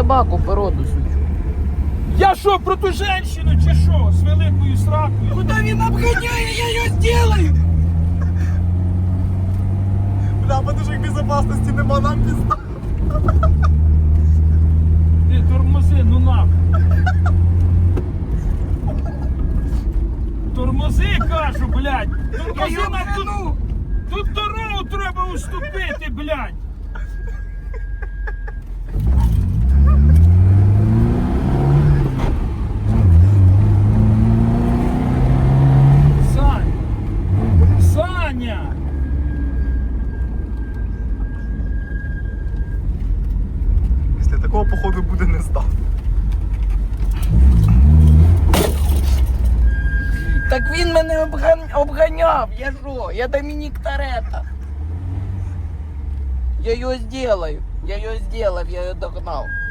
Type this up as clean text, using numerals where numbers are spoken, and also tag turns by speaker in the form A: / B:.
A: собаку породу сучу.
B: Я що, про ту женщину чи що? З великою сракою?
A: Куда він обганяє, я її сделаю!
C: Бля, подушек безопасности нема, нам пизда.
B: Ти тормози, ну нахуй. Тормози, кажу, блядь. Тормози на тут. Тут дорогу треба уступити, блядь. Саня!
C: Після такого походу буде не здав.
A: Так він мене обганяв, я що? Я Домінік Торетто. Я його сделаю, я його догнав.